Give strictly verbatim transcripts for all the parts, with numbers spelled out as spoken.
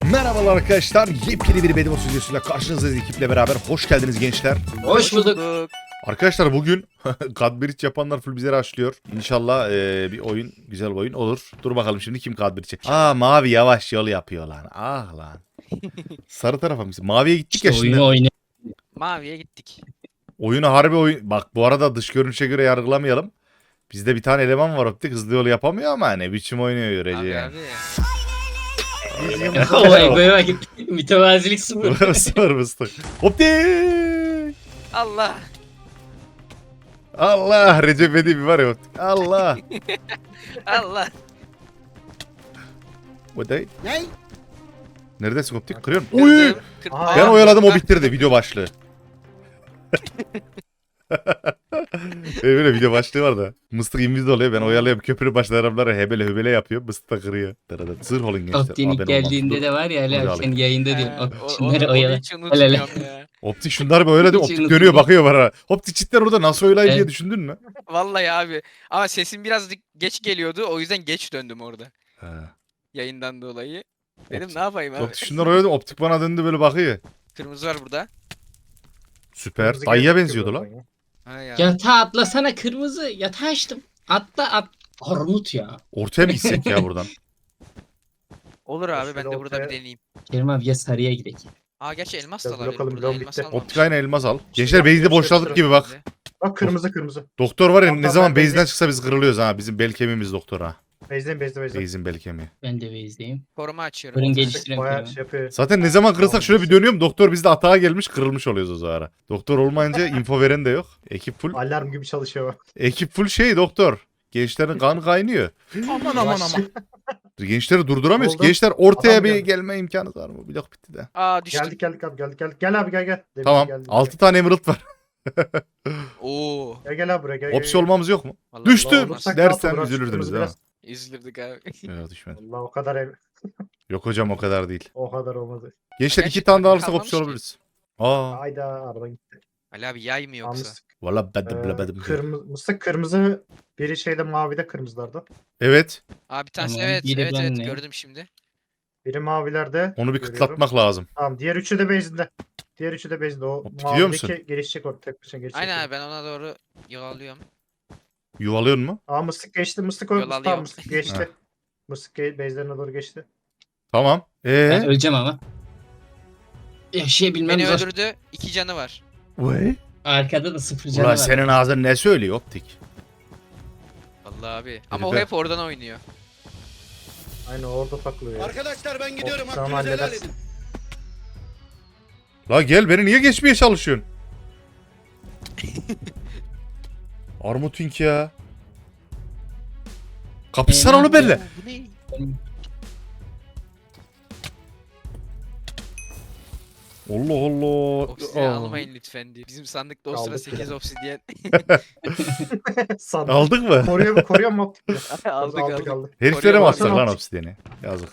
Merhabalar arkadaşlar, yepyeni bir Bedimo stüdyosuyla karşınızdayız ekiple beraber. Hoş geldiniz gençler. Hoş bulduk. Arkadaşlar bugün Kadbiriç yapanlar full bize açlıyor. İnşallah ee, bir oyun, güzel bir oyun olur. Dur bakalım şimdi kim Kadbiriç'e. Aa, mavi yavaş yol yapıyor lan. Ah lan. Sarı tarafa mı? Maviye gittik İşte ya şimdi. oyunu oyna. Maviye gittik. Oyunu harbi oyun. Bak bu arada dış görünüşe göre yargılamayalım. Bizde bir tane eleman var optik, hızlı yol yapamıyor ama ne biçim oynuyor Abi görece. abi. Olay böyle bak. Mütevazilik sıfır. Sır mıstık. Optik. Allah. Allah, Recep İvedik var ya optik. Allah. Allah. Bu değil. Ne? Neredesin optik? Kırıyorum. Uy! Kırdım. Kır- Aa, Ben Aa, oyaladım, o bak. bitirdi video başlığı. Benim böyle video başlığı var da. Mıstık inviz oluyor, ben oyalayıp köprü başlı adamlara hebele hübele yapıyor. Mıstık da kırıyor. Dırıdı. Zırh olun gençler. Optinik Haber olmaz. geldiğinde Dur. de var ya Dur hala alayım. senin yayında He, diyorum. o- Op- o- Şunları onu oyala. hiç Hele unutmuyorum ya. Optik şunları böyle de Hiç optik unutulmaz. dönüyor bakıyor bana. Optik cidden orada nasıl oyalayı diye Evet. düşündün mü? Vallahi abi. Ama sesim biraz geç geliyordu. O yüzden geç döndüm orada. He. Yayından dolayı. Dedim Optik- ne yapayım abi. Optik şunları oyaladım, optik bana döndü böyle bakıyor. Kırmızı var burada. Süper. Dayıya benziyordu lan. Ha ya. Yatağa atlasana kırmızı. Yatağa açtım. Atla at. Armut ya. Ortaya mı gitsek ya buradan? Olur abi, Şöyle ben de burada bir ortaya- deneyeyim. Kerim abi ya sarıya gidelim. Aa gerçi elmas Biraz da alabilirim. bakalım, Burada bloğum elmas bitti. almamışım. Optik aynen elmas al. Şey Gençler base'i yapıyor, boşladık şey gibi bak. Bak kırmızı kırmızı. Doktor var ya, Tamam, ne tamam, zaman ben base'den bezdim. çıksa biz kırılıyoruz ha. Bizim bel kemiğimiz doktor ha. Bezden bezde bezde. Base'in bel kemiği. Ben de bezdeyim. Koruma açıyorum. Fırın Otuz. geliştiren Bayağı Kerim şey yapıyor. Zaten ne zaman kırılsak şöyle bir dönüyorum, doktor bizde atağa gelmiş, kırılmış oluyoruz o zaman. Doktor olmayınca info veren de yok. Ekip full. Alarm gibi çalışıyor bak. Ekip full şey doktor. Gençlerin kan kaynıyor. Aman aman aman. Gençleri durduramıyoruz. Oldu. Gençler ortaya Adam bir geldi. gelme imkanı var mı? Blok bitti de. Aa düştüm. Geldik geldik abi geldik geldik. Gel abi gel gel. Demin Tamam. geldik. altı tane emerald var. Oo. Gel gel abi buraya gel. gel, Opsiyon gel. olmamız yok mu? Vallahi Düştüm. olmaz. Olursak Dersen rahat olur, üzülürdünüz değil mi? biraz. Üzülürdük abi. Yok, düşmedim. Allah o kadar ev. Yok hocam, o kadar değil. O kadar olmadı. Gençler Gerçi iki tane daha takım alırsak kalmamış opsiyon ki. alabiliriz. Aa. Hayda araba gitti. Ali abi yay mı yoksa? Almıştık. Valla bedim Ee, bedim. kırmızı, mıstık kırmızı. Biri şeyde mavide kırmızılarda. Evet. Abi bir tanesi Tamam, evet biri evet evet benle. gördüm şimdi. Biri mavilerde. Onu bir görüyorum. kıtlatmak lazım. Tamam diğer üçü de base'inde. Diğer üçü de base'inde. O Optik gidiyor musun? mavideki gelişecek orada tek başına gelişecek. Aynen abi, ben ona doğru yol alıyorum. Yuvalıyor mu? Aa mıstık geçti mıstık Yol o alıyor. tamam mıstık geçti. Heh. Mıstık ge- base'lerine doğru geçti. Tamam. Ben Ee? öleceğim ama. Yaşayabilmem Beni zor. öldürdü. İki canı var. Vay. Arkada da sıfır canı Ulan var. senin ağzın ne söylüyor optik? Vallahi abi. Ama o Herifler. hep oradan oynuyor. Aynen orada taklıyor ya. Arkadaşlar ben gidiyorum. O- tamam, Hakkınızı helal halledersin. edin. La gel, beni niye geçmeye çalışıyorsun? Armutink ya. Kapışsana Ee, onu benimle. Bu ne? Allah Allah. Obsidiyen Aa. almayın lütfen diye. Bizim sandıkta o sıra Aldık sekiz ya. obsidiyen. Sandım. Aldık mı? Koruyor, koruyor mu optik? aldık aldık. aldık. Heriflere mi Koruyor atsak lan baksana. obsidiyeni? Yazık.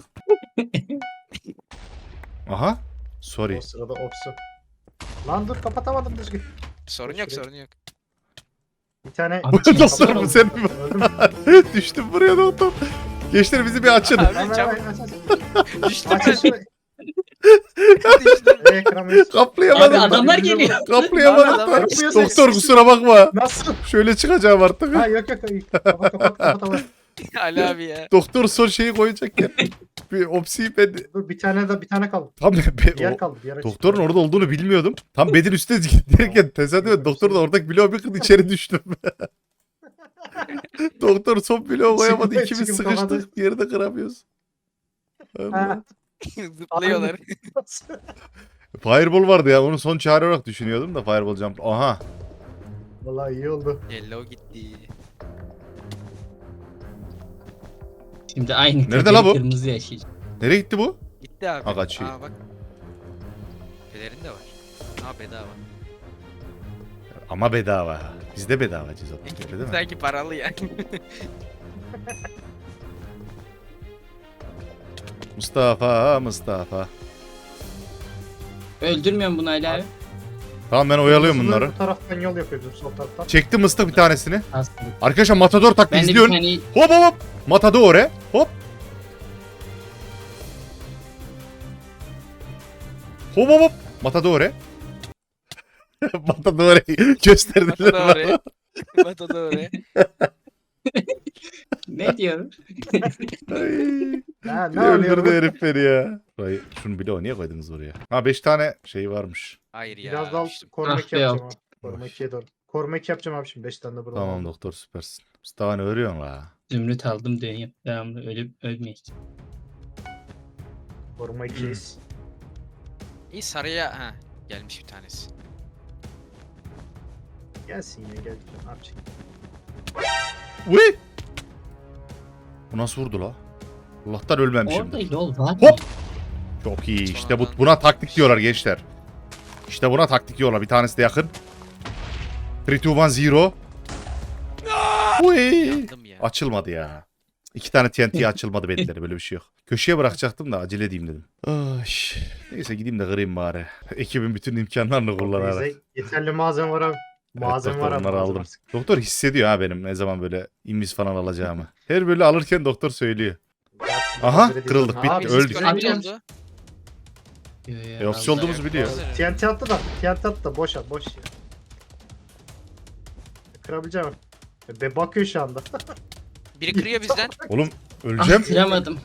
Aha. Sorry. O sırada opsiyon. Lan dur kapatamadım düzgün. Sorun yok sorun yok. Bir tane... Abi, Doktor mu sen mi? Öldüm mü? Düştüm buraya doktor. Gençler bizi bir açın. Abi Hemen çabuk hemen aç aç. düştüm Aç ben. aç şunu. Düştüm. Ee, ekranı- Kaplayamadım. Abi adamlar geliyor. Kaplayamadım. Adamlar da. geliyor. Doktor kusura bakma. Nasıl? Şöyle çıkacağım artık. Ha yok yok. Kapat kapat kapat kapat. Ali abi ya. Doktor son şeyi koyacak ya. Bir opsiyi ben... Dur bir tane de bir tane kaldı. Tam be, Diğer o- kaldı. Diğer açık. doktorun orada olduğunu bilmiyordum. Tam bedin üstüne giderken tesadüfen doktor da oradaki bloğu bir kız içeri düştüm. Doktor son bloğu koyamadı. Çıkıp- İkimiz çıkıp sıkıştık. kapadı. Yeri de kıramıyoruz. Allah. Ha. Zıplıyorlar. Fireball vardı ya. Onu son çare olarak düşünüyordum da Fireball jump. Aha. Vallahi iyi oldu. Yellow gitti. Şimdi aynı Nerede kaderi la bu? kırmızı yaşayacak. Nereye gitti bu? Gitti abi. Ha, kaçıyor. Aa bak. Pelerin de var. Aa bedava. Ama bedava. Biz de bedava cezat. Öyle değil mi? Sanki paralı ya. Mustafa, Mustafa. Öldürmüyorum bunu hala abi. Tamam, ben oyalıyorum Kırmızılı bunları. Bu taraftan yol yapıyor bizim sol taraftan. Çektim mıstık bir tanesini. Aslında. Arkadaşlar Matador taktiği Ben de bir izliyorsun. tane Hop hop hop. Matador he. Hop. Hop hop hop. Matadore. Matadore'yi gösterdiler Matadore. bana. Matadore. Ne diyor? Ay. Ha, ne Ne öldürdü oluyor? herif beni ya. Vay, şunu bile o niye koydunuz oraya? Ha beş tane şey varmış. Hayır ya. Biraz daha işte. koruma Ah iki be, yapacağım yok. abi. Koruma ikiye doğru. Koruma iki yapacağım abi şimdi. beş tane de burada. Tamam aldım. doktor süpersin. Mustafa ne örüyorsun la? Zümrüt aldım dönüyorum. Devamlı ölüp ölmeyiz. Koruma ikiyiz. İyi sarıya ha gelmiş bir tanesi. Gelsin ya gel. Ne yapacak? Uy! Bu nasıl vurdu la? Allah'tan ölmemişim. Orada yol var mı? Hop! Çok iyi. İşte bu, buna taktik diyorlar gençler. İşte buna taktik diyorlar. Bir tanesi de yakın. üç, iki, bir, sıfır. Uy! Yandım ya. Açılmadı ya. İki tane T N T açılmadı belleri. Böyle bir şey yok. Köşeye bırakacaktım da acele edeyim dedim. Ay. Neyse gideyim de kırayım bari. Ekibin bütün imkanlarını kullanarak. Bize yeterli malzeme var abi. Malzeme doktor, var abi. onları malzeme aldım. var. Doktor hissediyor ha benim ne zaman böyle invis falan alacağımı. Her böyle alırken doktor söylüyor. Aha, Hazır edildi. kırıldık, Abi, bitti, Abi öldük. Discord Abi- oldu. Yo, yo, E, ofis Allah. olduğumuzu biliyor. T N T attı da. T N T attı da boş at boş ya. Kırabileceğim. Be bakıyor şu anda. Biri kırıyor bizden. Oğlum Ah, öleceğim. kıramadım.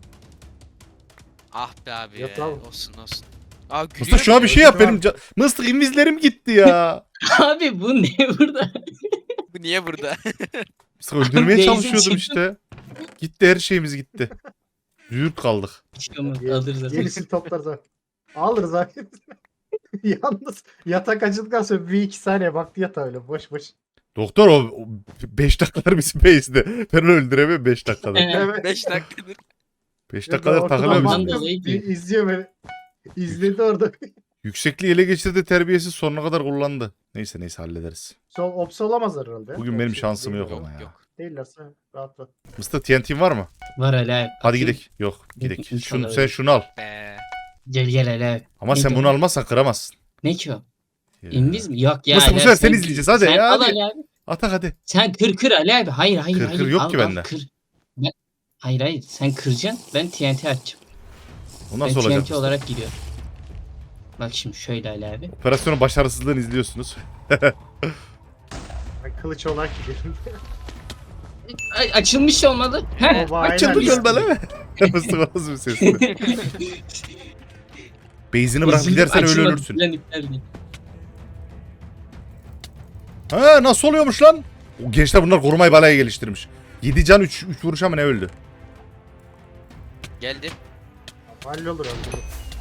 Ah be abi. Yat ya. abi. Olsun olsun. Aa gülüyor. Mıstık şuna bir şey ya. yap benim. ca- Mıstık invizlerim gitti ya. Abi bu ne burada? Bu niye burada? Mıstık öldürmeye Beyzin çalışıyordum çıktı. işte. Gitti her şeyimiz gitti. Züğürt kaldık. Çıkamaz, Ye- alırız alırız. Yenisini toplarız abi. Alırız abi. Yalnız yatak açıldıktan sonra bir iki saniye baktı yatağa öyle boş boş. Doktor o beş dakikalar bizi base'de. Ben onu öldüremem beş dakikada. He. Evet. beş dakikadır. beş dakikalar Ortadan takılıyor Ondan bizim. baktım, dolayı bir izliyor beni. İzledi orada. Yüksekliği ele geçirdi, terbiyesiz sonuna kadar kullandı. Neyse neyse hallederiz. Sol opsi olamazlar herhalde. Bugün benim Opsi şansım değil- yok ama Yok ya. yok. Değillerse rahat rahat. Mıstık T N T'in var mı? Var hele abi. Hadi Atayım. gidelim. Yok gidelim. İnşallah Şunu, öyle. sen şunu al. Be. Gel gel hele abi. Ama Ne sen diyor? bunu almazsan kıramazsın. Ne ki o? Ya. İnviz mi? Yok ya. Nasıl bu Ali sefer abi, sen sen- izleyeceğiz, hadi sen ya, al hadi. Ali abi. Atak hadi. Sen kır kır Ali abi. Hayır hayır Kır, hayır. kır yok al, ki al, bende. Kır. Ben... Hayır hayır. Sen kıracaksın. Ben T N T açacağım. O Ben nasıl T N T olacak? olarak gidiyorum. Bak şimdi şöyle Ali abi. Operasyonun başarısızlığını izliyorsunuz. Ben kılıç olarak gidiyorum. Ay, açılmış olmadı. Heh. Baba, aynen. Açıldı biz- gölbele. Mıstık o nasıl bir sesli? Base'ini bırak Üzüldüm, gidersen öyle açılmadı, ölürsün. plan iptal değil. Ha nasıl oluyormuş lan? O gençler bunlar korumayı balaya geliştirmiş. yedi can üç vuruş ama ne öldü? Geldi. Hallolur hallolur.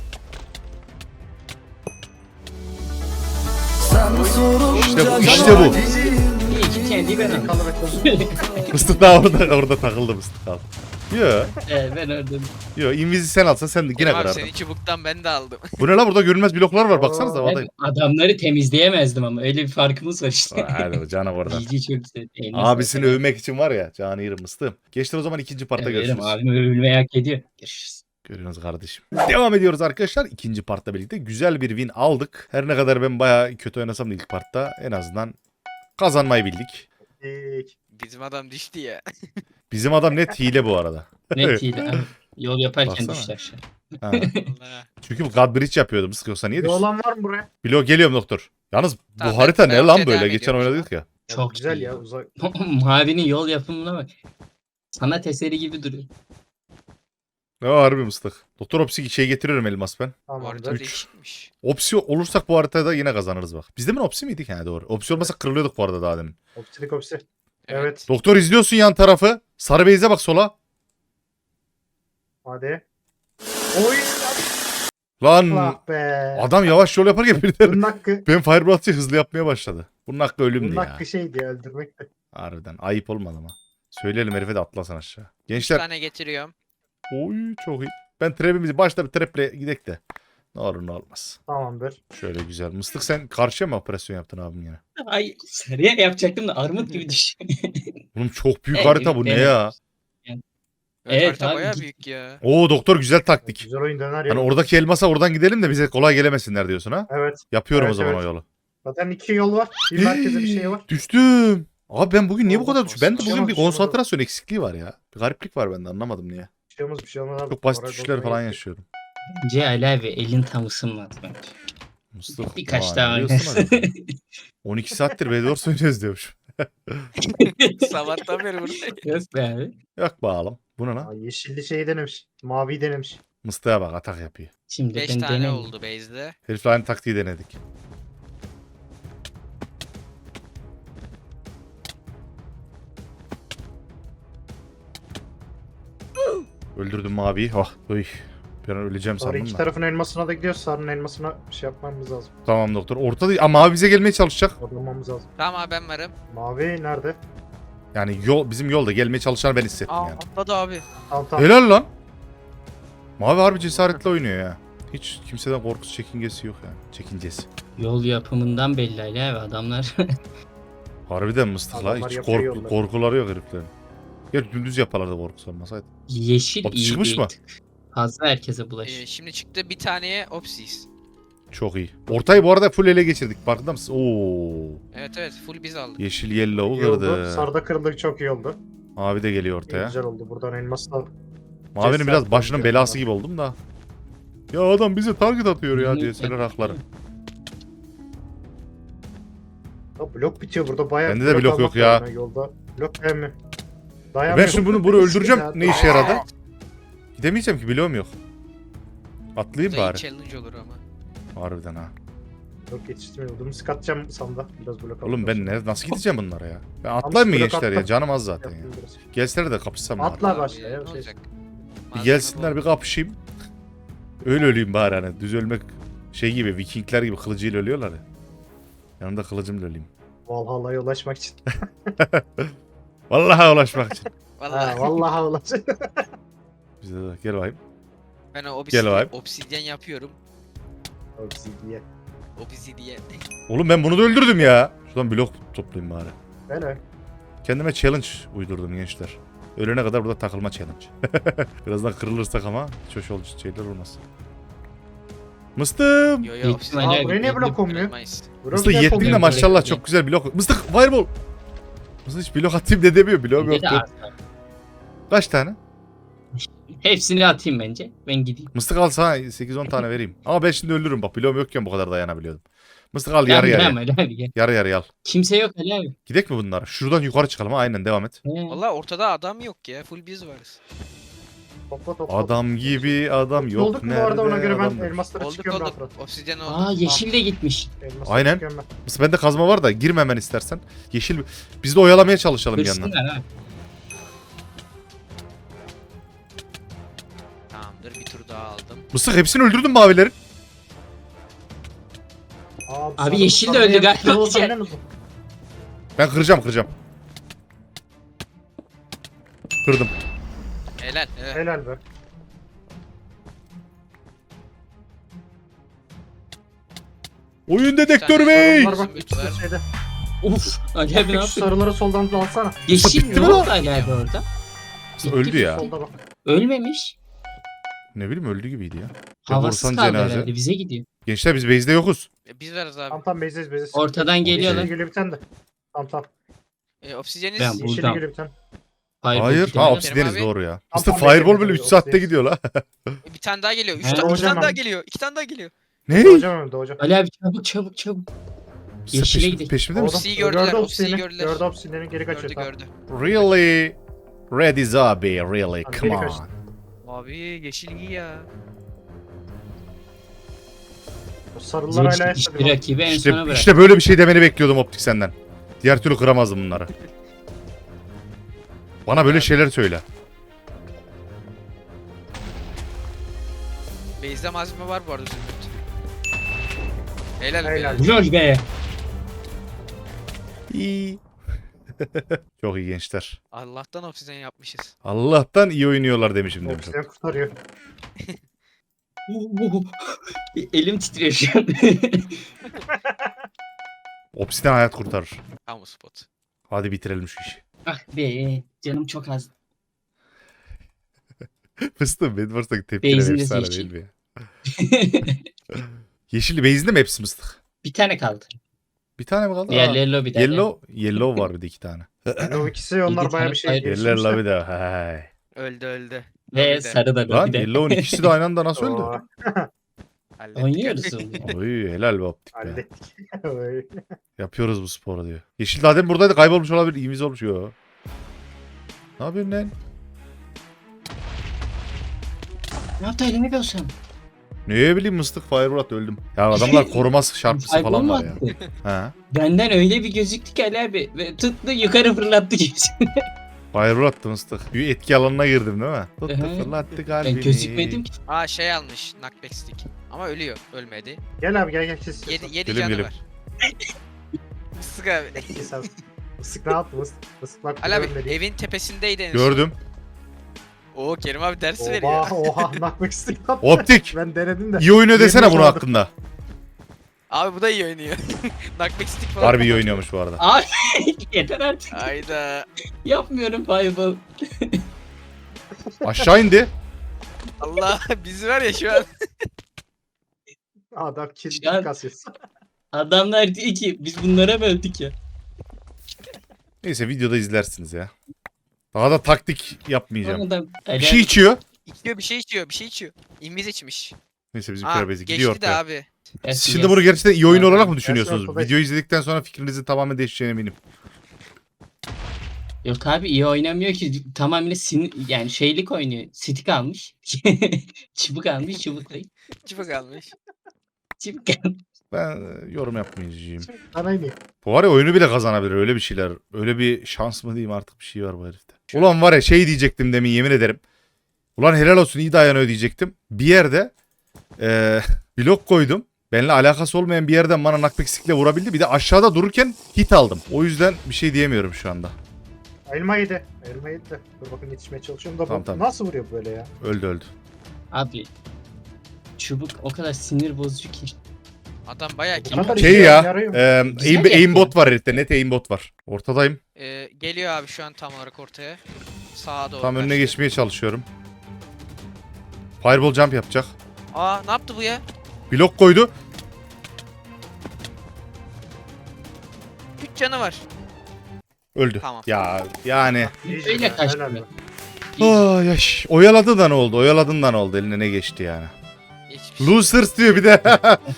İşte bu, işte bu. İyi ki T N T'yi ben aldım. Kalarak Mıstık daha orada orada takıldı mıstık kaldı. Yo Ee, ben orada. yo invizi sen alsan sen de yine Abi kırardın. senin çubuktan ben de aldım. Bu ne la burada görünmez bloklar var baksanıza Oo, havadayım. Ben adamları temizleyemezdim ama öyle bir farkımız var işte. Hadi o cana oradan. Cici çok güzel. Eline Abisini sağlık. övmek için var ya canı yerim mıstığım. Geçtir o zaman ikinci partta Evet, görüşürüz. Abim övülmeyi hak ediyor. Görüşürüz. Görüyorsunuz kardeşim. Devam ediyoruz arkadaşlar. İkinci partta birlikte güzel bir win aldık. Her ne kadar ben bayağı kötü oynasam da ilk partta en azından kazanmayı bildik. İlk. Bizim adam düştü ya. Bizim adam net hile bu arada. Net iyi de abi. Yol yaparken Baksana. düştü aşağı. Ha. Allah. Çünkü bu God Bridge yapıyordu mısık yoksa niye Bir düşsün? olan var mı buraya? Blok geliyorum doktor. Yalnız bu Tamam, harita ben- ne ben lan ortaya böyle? devam Geçen ediyorum oynadık ya. Çok güzel iyi. ya uzak. Mavinin yol yapımına bak. Sanat eseri gibi duruyor. Ne harbi mıstık. Doktor Opsi şey getiriyorum elmas ben. Bu harita Tamamdır. Üç. değişikmiş. Opsi olursak bu haritada yine kazanırız bak. Biz de mi Opsi miydik? Ha doğru. Opsi olmasa kırılıyorduk bu arada daha demin. Opsilik opsi. Evet. Doktor izliyorsun yan tarafı. Sarı beyze bak sola. Hadi. Oy. Lan Allah be. adam yavaş yol yaparken birden Bunun hakkı. ben Fireblast'ı hızlı yapmaya başladı. Bunun hakkı ölümdü Bunun ya. hakkı şeydi ya öldürmek de. Harbiden ayıp olmadı ama. Söyleyelim herife de atlasın aşağı. Bir Gençler. tane getiriyorum. Oy çok iyi. Ben trap'imizi başta bir traple gidek de. Ne olur ne olmaz. Tamamdır. Şöyle güzel. Mıstık sen karşıya mı operasyon yaptın abim yine? Ay sarıya yapacaktım da armut gibi düştü. Oğlum çok büyük Evet, harita bu ne evet. ya? Evet, Evet harita abi, bayağı git. büyük ya. Oo doktor güzel taktik. Güzel oyun döner ya. Hani oradaki elmasa oradan gidelim de bize kolay gelemesinler diyorsun ha? Evet. Yapıyorum Evet, o zaman evet. o yolu. Zaten iki yol var. Bir merkeze bir şey var. Düştüm. Abi ben bugün niye bu Allah kadar düştüm? Ben de korusun. bugün bir Bir şey olmaz, konsantrasyon eksikliği var ya. Bir gariplik var bende anlamadım niye. Bir şey olmaz bir şey olmaz abi. Çok basit Oraya düşüşler doktora falan gittik. yaşıyorum. Bence Ali abi elin tam ısınmadı bence. Mustafa. Birkaç Aa, daha ne diyorsun oynasın. acaba? on iki saattir Bedwars oynuyoruz diyormuş. Sabahtan beri buradayım. Yok be abi. Yok bağalım. Bu ne Aa, lan? yeşilli şeyi denemiş. Maviyi denemiş. Mıstığa bak atak yapıyor. Şimdi beş ben tane deneyim. oldu base'de. Herifle aynı taktiği denedik. Öldürdüm maviyi. Oh, uy. Ben öleceğim Sonra sandım iki da. tarafın elmasına da gidiyoruz. Sarının elmasına şey yapmamız lazım. Tamam doktor. Orta değil. Aa, mavi bize gelmeye çalışacak. Odamamız lazım. Tamam abi ben varım. Mavi nerede? Yani yol bizim yolda gelmeye çalışanı ben hissettim Aa yani. atladı abi. Tamam tamam. Helal lan. Mavi harbi cesaretle oynuyor ya. Hiç kimseden korkusu çekingesi yok yani. Çekincesi. Yol yapımından belli Ali abi adamlar. Harbiden mıstıkla. Adamlar Hiç yapıyor korku, yolları. korkuları yok heriflerin. Gerçi dümdüz yaparlardı korkusu olmasaydı. Yeşil Bak, iyi çıkmış bir mı? tık. Fazla herkese Ee, bulaş. şimdi çıktı bir taneye Opsis. Çok iyi. Ortayı bu arada full ele geçirdik. Farkında mısın? Oo. Evet evet full biz aldık. Yeşil yellow İyi oldu. kırdı. Sarıda kırıldı çok iyi oldu. Mavi de geliyor İyi, ortaya. güzel oldu. Buradan elmas da Mavinin Cesaret biraz başının oldu belası ya. gibi oldum da. Ya adam bize target atıyor ya Hı, diye senin hakları. Ya blok bitiyor burada bayağı. Bende de blok almak yok ya. lazım Yolda. Blok değil mi? Ben şimdi bunu bunu öldüreceğim. Ne işe yaradı? Gidemeyeceğim ki bloğum yok. Atlayayım Bu da iyi bari. challenge olur ama. Harbiden ha. Blok yetiştirmiyor. Bunu skatacağım sanda. Biraz blok Oğlum ben alacağım. ne, nasıl gideceğim bunlara ya? Ben atlayayım mı blok gençler ya? attım. Canım az zaten ya. Yaptım biraz. Gelseler de kapışsam bari. Atla Abi, başla ya. ne Şey. olacak? Bir Malzeme gelsinler bol. bir kapışayım. Öyle öleyim bari hani. Düz ölmek şey gibi Vikingler gibi kılıcıyla ölüyorlar ya. Yanımda kılıcımla öleyim. Valhalla'ya ulaşmak için. Vallahi ulaşmak için. Vallahi Ha, vallahi ulaşmak. Bize de gel bakayım. ben o Gel obsidyen, abi. obsidyen yapıyorum. Obsidiye. Obsidyen. Oğlum ben bunu da öldürdüm ya. Şuradan blok toplayayım bari. Böyle. Kendime challenge uydurdum gençler. Ölene kadar burada takılma challenge. Birazdan kırılırsak ama hiç hoş olucu şeyler olmaz. Mıstım. Yo yo Büyük obsidyen. ihtimalle Aa, buraya niye blok olmuyor? Kırılmayız. Mıstık Blok yettin de yapılmıyor. maşallah böyle. çok güzel blok. Mıstık fireball. Mıstık hiç blok atayım de demiyor. Bloğum Bence de yoktu. az. Kaç tane? Hepsini atayım bence. Ben gideyim. Mıstık al sana sekiz on tane vereyim. Ama ben şimdi ölürüm bak. Bloğum yokken bu kadar dayanabiliyordum. Mıstık al yarı Gel, yarıya. gel Ali abi gel. Yarı yarıya al. Kimse yok Ali abi. Gidek mi bunlara? Şuradan yukarı çıkalım ha. Aynen devam et. He. Valla ortada adam yok ya. Full biz varız. Topla topla. Adam gibi adam yok. Olduk mu bu arada ona göre ben adam demiş. elmaslara Olduk çıkıyorum olduk. rahat rahat. Obsidyen oldu. Aa yeşil de gitmiş. Elmaslara Aynen. çıkıyorum ben. Mıstık bende kazma var da girme hemen istersen. Yeşil biz de oyalamaya çalışalım bir yandan. Hırsınlar abi. Tamamdır bir tur daha aldım. Mıstık hepsini öldürdün mavilerin. Abi, Abi sarı- yeşil de sarı öldü yer- galiba. Yol senden uzun. Ben kıracağım kıracağım. Kırdım. Helal. helal. Helal be. Oyun dedektörü tane bey. Bunlar bak Zümrüt ikisi de var. şeyde. Uf Ali abi ne Şu yapıyor? sarıları soldan da alsana. Yeşil bitti ne mi oldu lan? Ali abi orada? Mıstık öldü ya. Solda bak. Ölmemiş. Ne bileyim öldü gibiydi ya. Havasız korsan kaldı cenaze. herhalde. Bize gidiyor. Gençler biz base'de yokuz. E, biz varız abi. Tam tam bezez bezez. Ortadan Okey. geliyorlar. Yeşili geliyor bir tane de. Tam tam. E, obsidyeniz Ben bu- Yeşili Buradan. geliyor bir tane. Fireball Hayır. gidelim. Ha Benim obsideniz abi- doğru ya. Tam Mıstık tam fireball bekledim, böyle üç obsideniz. saatte gidiyor la. E, bir tane daha geliyor. Üç, He. ta- iki Hocam tane daha ben- geliyor. İki tane daha geliyor. Ne? Doğacağım hemen doğacağım. Ali abi çabuk çabuk çabuk. Mıstık Yeşile peşim- gidelim. Peşimde misin? Obsidiyi gördüler, Gördü obsidiyi obsidiyeni. gördüler. Gördü obsidiyeni geri kaçıyor. Gördü Tamam. gördü. Really? Ready zombie, really? Abi, Come geri on. kaçtı. Abi yeşil iyi ya. O sarılar hala Zeytin yaşadı. işte rakibi en İşte, sona bırak. işte böyle bir şey demeni bekliyordum optik senden. Diğer türlü kıramazdım bunları. Bana böyle şeyler söyle. Base'de malzeme var bu arada Zümrüt. Helal, Helal. be. Lol be. İyi. Çok iyi gençler. Allah'tan obsidyen yapmışız. Allah'tan iyi oynuyorlar demişim demiş. Obsidiyen kurtarıyor. Elim titriyor şu an. Obsidian hayat kurtarır. Kamu spot. Hadi bitirelim şu işi. ah be canım çok az. Fıstığım Bedwars'taki tepkiler Base'in de efsane yeşil. değil mi ya? Yeşilli base'inde mi hepsi mıstık? Bir tane kaldı. Bir tane mi kaldı? Aa, Diğerleri lobide. Yellow, yellow var bir de iki tane. O ikisi onlar Yedi bayağı tane bir şey ayrı. Yerler geliştirmişler. lavi de. Hay. Öldü öldü. Ve Tabii de. sarı da Lan bir de. Yellow'un ikisi de aynı anda nasıl öldü? Oo, Hallettik. Oynuyoruz onu. Oy helal be optik be. hallettik. Oy. Yapıyoruz bu sporu diyor. Yeşil daha demin buradaydı, kaybolmuş olabilir. İyimiz olmuş. Yo. Ne yapıyorsun lan? Ne yaptı elimi görsem? Ne bileyim mıstık fireball attı, öldüm. Ya adamlar koruması şarpısı falan var ya. He. Benden öyle bir gözüktü ki Ali abi. Ve tuttu yukarı fırlattı gözünü. Fireball attı mıstık. Bir etki alanına girdim değil mi? Tuttu Ehe. fırlattı kalbini. Ben gözükmedim ki. Aa şey almış knockback stick. Ama ölüyor. Ölmedi. Gel abi gel gel kes. kes. Yedi, yedi Gelim, canı gelim. var. Sık abi. Kes abi. Isık ne yaptı mısık? Mısık bak. Ali abi görmedi. evin tepesindeydi en son. Gördüm. Oo Kerim abi ders veriyor. Oha oha nakmek istedim. Optik. Ben denedim de. İyi oynuyor desene Yirmi bunun kaldı. hakkında. Abi bu da iyi oynuyor. knockback stick falan. Harbi iyi oynuyormuş bu arada. Abi yeter artık. Hayda. Yapmıyorum fireball. Aşağı indi. Allah bizi var ya şu an. Adam kill Şu an- kasıyor. Adamlar diyor ki biz bunlara mı öldük ya? Neyse videoda izlersiniz ya. Daha da taktik yapmayacağım. Adam, Ali Bir şey abi, içiyor. İçiyor bir şey içiyor bir şey içiyor. İnviz içmiş. Neyse bizim Aa körabezi gidiyor geçti de ortaya. abi. gelsin, Şimdi gelsin. bunu gerçekten iyi oyun Zaten olarak mı Gerçi düşünüyorsunuz? ortada- Videoyu izledikten sonra fikrinizin tamamen değişeceğine eminim. Yok abi iyi oynamıyor ki tamamen sinir yani şeylik oynuyor. Stick almış. çubuk almış çubuk değil. Çıpa kalmış. Çubuk almış. Ben e, yorum yapmayacağım. Sana ineyim. Bu var ya, oyunu bile kazanabilir, öyle bir şeyler. Öyle bir şans mı diyeyim artık, bir şey var bu herifte. Ulan var ya, şey diyecektim demin, yemin ederim. Ulan helal olsun, iyi dayanıyor diyecektim. Bir yerde e, blok koydum. Benimle alakası olmayan bir yerden bana nakpeksikle vurabildi. Bir de aşağıda dururken hit aldım. O yüzden bir şey diyemiyorum şu anda. Elma yedi. Elma yedi de. Dur bakın yetişmeye çalışıyorum da Tamam, bu tamam. nasıl vuruyor böyle ya? Öldü öldü. Abi çubuk o kadar sinir bozucu ki. Adam bayağı Bu kim? kadar Şey işe ya, yarıyor mu? e, Güzel aim, yapıyor. aimbot var herifte. Net aimbot var. Ortadayım. Ee, geliyor abi şu an tam olarak ortaya. Sağa doğru. Tam önüne kaçtı. geçmeye çalışıyorum. Fireball jump yapacak. Aa ne yaptı bu ya? Blok koydu. Üç canı var. Öldü. Tamam. Ya yani. İyice Böyle ya, kaçtı. helal be. Ay yaş. Oyaladı da ne oldu? Oyaladın da ne oldu? Eline ne geçti yani? Hiçbir şey. Losers diyor bir de.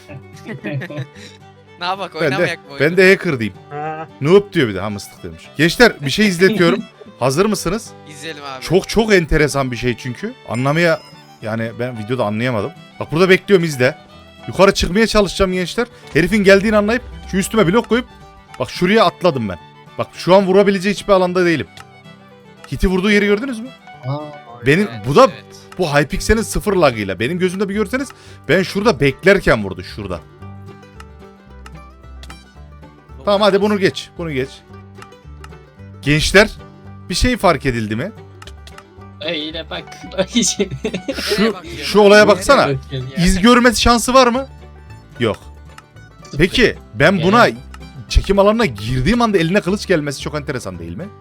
Ne yapak ben de, oynamayak mı oyunu? ben de hacker diyeyim. Ha, Noob diyor bir de. Ha, mıstık demiş. Gençler bir şey izletiyorum. Hazır mısınız? İzleyelim abi. Çok çok enteresan bir şey çünkü. Anlamaya, yani ben videoda anlayamadım. Bak burada bekliyorum, izle. Yukarı çıkmaya çalışacağım gençler. Herifin geldiğini anlayıp şu üstüme blok koyup bak şuraya atladım ben. Bak şu an vurabileceği hiçbir alanda değilim. Hiti vurduğu yeri gördünüz mü? Aa, Benim Evet, bu da evet. bu Hypixel'in sıfır lagıyla. Benim gözümde bir görseniz, ben şurada beklerken vurdu, şurada. Tamam hadi bunu geç. Bunu geç. Gençler bir şey fark edildi mi? öyle bak. Bak şimdi. Şu, bakıyorsun? şu olaya baksana. Nereye bakıyorsun ya? İz görmesi şansı var mı? Yok. Peki ben buna Yani- çekim alanına girdiğim anda eline kılıç gelmesi çok enteresan değil mi?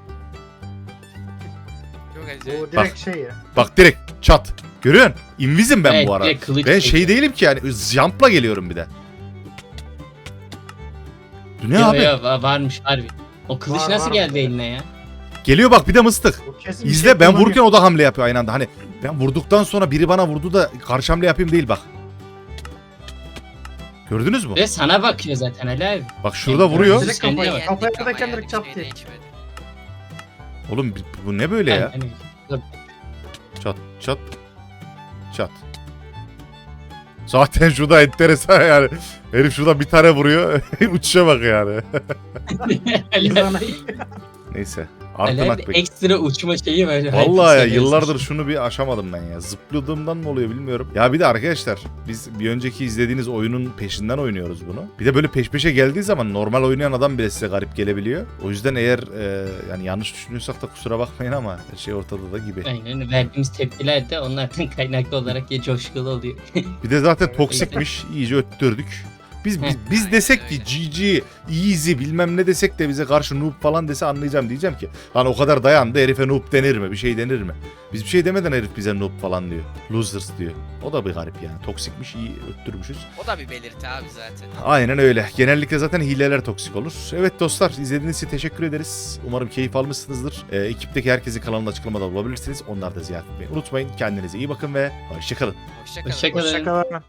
Çok acayip. bu direkt şey ya. Bak direkt çat. Görüyorsun? Invizim ben Evet, bu ara. direkt kılıç Ben çekiyor. şey değilim ki yani, jump'la geliyorum bir de. Bu ne Yo, abi? yo, va- varmış harbi. O kılıç Var, nasıl var. geldi eline ya? Geliyor bak, bir de mıstık. Bu kesin bir İzle, şey ben kullanıyor. vururken o da hamle yapıyor aynı anda. Hani ben vurduktan sonra biri bana vurdu da karşı hamle yapayım değil bak. Gördünüz mü? Ve sana bakıyor zaten Ali abi. Bak şurada Yani vuruyor. Direkt Sen de kafaya, bak. kafaya Yendik ama vururken yani, direkt çat bir şey diye. değişmedi. Oğlum bu ne böyle ya? Hani- Çat çat çat. Zaten şurada enteresan yani. Herif şurada bir tane vuruyor. Uçuşa bak yani. Ali abi- Neyse. Ali Artı abi nakbek. ekstra uçma şeyi böyle. Vallahi ya, Hypixel yıllardır yazmış. şunu bir aşamadım ben ya. Zıpladığımdan mı oluyor bilmiyorum. Ya bir de arkadaşlar, biz bir önceki izlediğiniz oyunun peşinden oynuyoruz bunu. Bir de böyle peş peşe geldiği zaman normal oynayan adam bile size garip gelebiliyor. O yüzden eğer e, yani yanlış düşünüyorsak da kusura bakmayın ama her şey ortada da gibi. Aynen, verdiğimiz tepkiler de onlardan kaynaklı olarak ya coşkulu oluyor. Bir de zaten Evet. toksikmiş. İyice öttürdük. Biz biz, Hı. biz Aynen desek ki öyle. G G, easy bilmem ne desek de bize karşı noob falan dese anlayacağım, diyeceğim ki lan o kadar dayandı, herife noob denir mi? Bir şey denir mi? Biz bir şey demeden herif bize noob falan diyor. Losers diyor. O da bir garip yani. Toksikmiş, iyi öttürmüşüz. O da bir belirti abi zaten. Aynen öyle. Genellikle zaten hileler toksik olur. Evet dostlar, izlediğiniz için teşekkür ederiz. Umarım keyif almışsınızdır. Ee, ekipteki herkesi kanalın açıklamada bulabilirsiniz. Onları da ziyaret etmeyi unutmayın. Kendinize iyi bakın ve hoşçakalın. Hoşçakalın. Hoşçakalın. Hoşçakalın.